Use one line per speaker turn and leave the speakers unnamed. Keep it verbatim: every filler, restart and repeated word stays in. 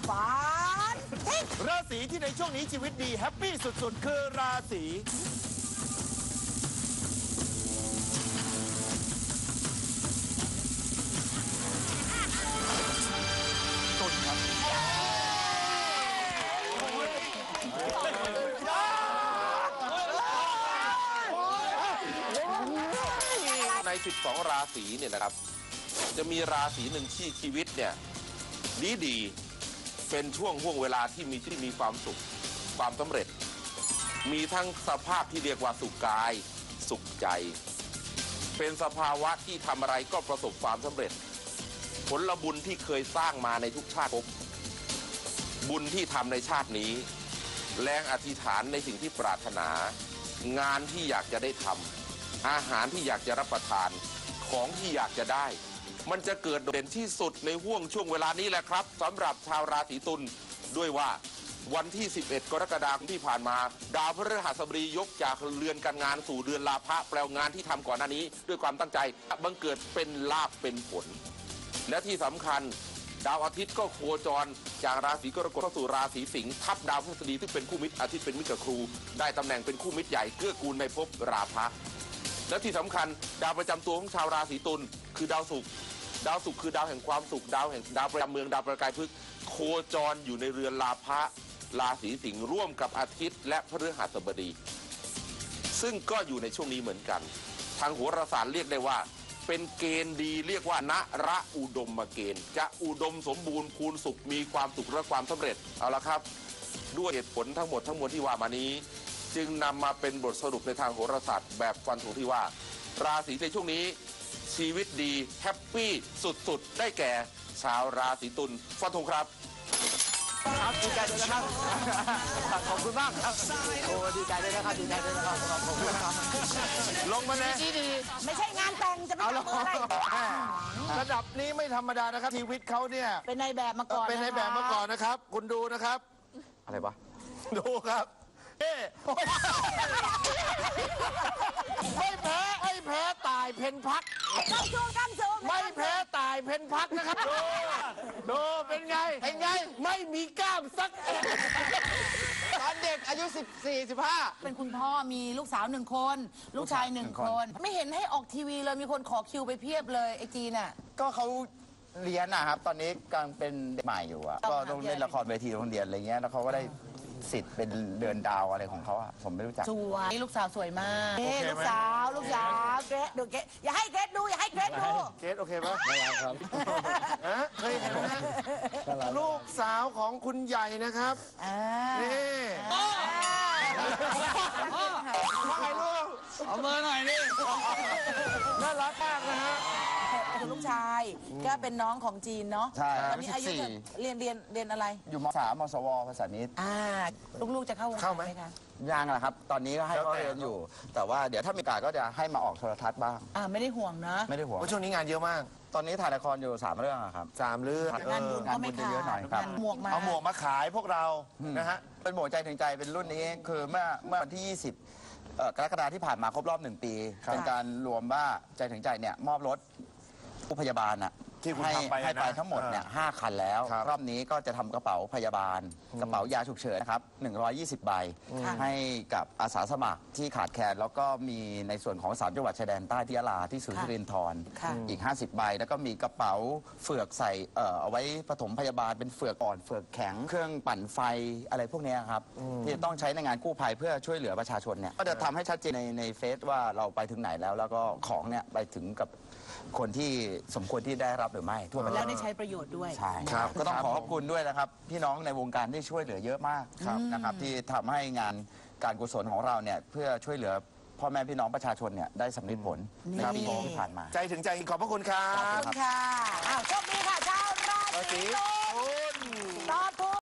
ฝันทิ้ง
ราศีที่ในช่วงนี้ชีวิตดีแฮปปี้สุดๆคือราศีตุลครับ
ในสิบสองราศีเนี่ยนะครับจะมีราศีหนึ่งที่ชีวิตเนี่ยดีดีเป็นช่วงห่วงเวลาที่มีที่มีความสุขความสำเร็จมีทั้งสภาพที่เรียกว่าสุขกายสุขใจเป็นสภาวะที่ทำอะไรก็ประสบความสำเร็จผลบุญที่เคยสร้างมาในทุกชาติภพบุญที่ทำในชาตินี้แรงอธิษฐานในสิ่งที่ปรารถนางานที่อยากจะได้ทำอาหารที่อยากจะรับประทานของที่อยากจะได้มันจะเกิดเด่นที่สุดในห่วงช่วงเวลานี้แหละครับสำหรับชาวราศีตุลด้วยว่าวันที่สิบเอ็ดกรกฎาคมที่ผ่านมาดาวพฤหัสบดียกจากเรือนการงานสู่เรือนลาภะแปลงานที่ทำก่อนหน้านี้ด้วยความตั้งใจบังเกิดเป็นลาภเป็นผลและที่สำคัญดาวอาทิตย์ก็โคจรจากราศีกรกฎเข้าสู่ราศีสิงห์ทับดาวพฤหัสบดีที่เป็นคู่มิตรอาทิตย์เป็นมิตรกับครูได้ตำแหน่งเป็นคู่มิตรใหญ่เกื้อกูลในภพราภะและที่สำคัญดาวประจำตัวของชาวราศีตุลคือดาวศุกร์ดาวศุกร์คือดาวแห่งความสุขดาวแห่งดาวประจำเมืองดาวประกายพฤกษ์โคจรอยู่ในเรือนลาภะราศีสิงห์ร่วมกับอาทิตย์และพฤหัสบดีซึ่งก็อยู่ในช่วงนี้เหมือนกันทางโหราศาสตร์เรียกได้ว่าเป็นเกณฑ์ดีเรียกว่านระอุดมเกณฑ์จะอุดมสมบูรณ์คูณสุขมีความสุขและความสำเร็จเอาละครับด้วยเหตุผลทั้งหมดทั้งมวลที่ว่ามานี้จึงนำมาเป็นบทสรุปในทางโหราศาสตร์แบบฟันธงที่ว่าราศีในช่วงนี้ชีวิตดีแฮปปี้สุดๆได้แก่ชาวราศีตุลฟันธงครับ
ครับดีใจด้วยนะครับขอบคุณมากครับโอ้ดีใจด้วยนะครับดีใจด้วยนะครับขอบคุณครับลงมาเลย
ไม่ใช่งานแต่งจะไปทำอะไร
ระดับนี้ไม่ธรรมดานะครับชีวิตเขาเนี่ย
เป็นในแบบมาก่อน
เป็นในแบบมาก่อนนะครับคุณดูนะครับ
อะไรวะ
ดูครับเอ๊ไม่แพ้ไม่แพ้ตายเพนพัก
ก้ามสูงก้ามสูง
ไม่แพ้ตายเพนพักนะครับดูดูเป็นไงเป็นไงไม่มีกล้ามสักตอนเด็กอายุสิบสี่ สิบห้า
เป็นคุณพ่อมีลูกสาวหนึ่งคนลูกชายหนึ่งคนไม่เห็นให้ออกทีวีเลยมีคนขอคิวไปเพียบเลยไอจีน่ะ
ก็เขาเรียนนะครับตอนนี้กำลังเป็นเด็กใหม่อยู่อ่ะก็ต้องเล่นละครเวทีโรงเรียนอะไรเงี้ยแล้วเขาก็ได้สิทธิ์เป็นเดือนดาวอะไรของเขาอ่ะผมไม่รู้จัก
สวยลูกสาวสวยมากเอ๊ลูกสาวลูกสาวเกรดดูเกรดอย่าให้เกรดดูอย่าให้เกรดดู
เกรดโอเคไหม
ไม่ครับ
เคยเห็นไหมลูกสาวของคุณใหญ่นะครับนี่ว่าไงลูก
เอาเบอร์หน่อยนี่
น่ารักมากนะฮะ
คือลูกชายก็เป็นน้องของจีนเนาะ
ใช่
ตอนนี้อายุเรียนเรียนเรียนอะไร
อยู่มสามมสวภาษาณิชย์
อ่าลูกๆจะเข้าวงการไหมคะ
ยังแหละครับตอนนี้ก็ให้เขาเรียนอยู่แต่ว่าเดี๋ยวถ้ามีโอกาสก็จะให้มาออกโทรทัศน์บ้าง
อ่าไม่ได้ห่วงนะ
ไม่ได้ห่วง
เพราะช่วงนี้งานเยอะมาก
ตอนนี้ถ่ายละครอยู่สามเรื่องครับ
สามเรื่อง
งานบุญก็ไม่ขาด
เยอะหน่อยครับ
หมวกมา
เอาหมวกมาขายพวกเรานะฮะ
เป็นหมวกใจถึงใจเป็นรุ่นนี้คือเมื่อเมื่อวันที่ยี่สิบกรกฎาคมที่ผ่านมาครบรอบหนึ่งปีเป็นการรวมว่าใจถึงใจเนี่ยมอบรถผู้พยาบาลอ่ะ
ที่คุณทำไป
ให้ไปทั้งหมดเนี่ยห้าคันแล้วรอบนี้ก็จะทำกระเป๋าพยาบาลกระเป๋ายาฉุกเฉินนะครับหนึ่งร้อยยี่สิบใบให้กับอาสาสมัครที่ขาดแคลนแล้วก็มีในส่วนของสามจังหวัดชายแดนใต้ที่ยะลาที่ศูนย์สิรินธรอีกห้าสิบใบแล้วก็มีกระเป๋าเฟือกใส่เอ่อเอาไว้ปฐมพยาบาลเป็นเฟือกอ่อนเฟือกแข็งเครื่องปั่นไฟอะไรพวกนี้ครับที่ต้องใช้ในงานกู้ภัยเพื่อช่วยเหลือประชาชนเนี่ยก็จะทำให้ชัดเจนในในเฟซว่าเราไปถึงไหนแล้วแล้วก็ของเนี่ยไปถึงกับคนที่สมควรที่ได้รับหรือไม่ทั่วประเทศ
แล้วได้ใช้ประโยชน์ด้วย
ใช่ครับก็ต้องขอขอบคุณด้วยนะครับพี่น้องในวงการที่ช่วยเหลือเยอะมากนะครับที่ทำให้งานการกุศลของเราเนี่ยเพื่อช่วยเหลือพ่อแม่พี่น้องประชาชนเนี่ยได้สำเร็จผลในปีที่ผ่านมา
ใจถึงใจขอบพระคุณครับ
ขอบคุณค่ะอ้าวโชคดีค่ะชาวราศีตุลตอบถูก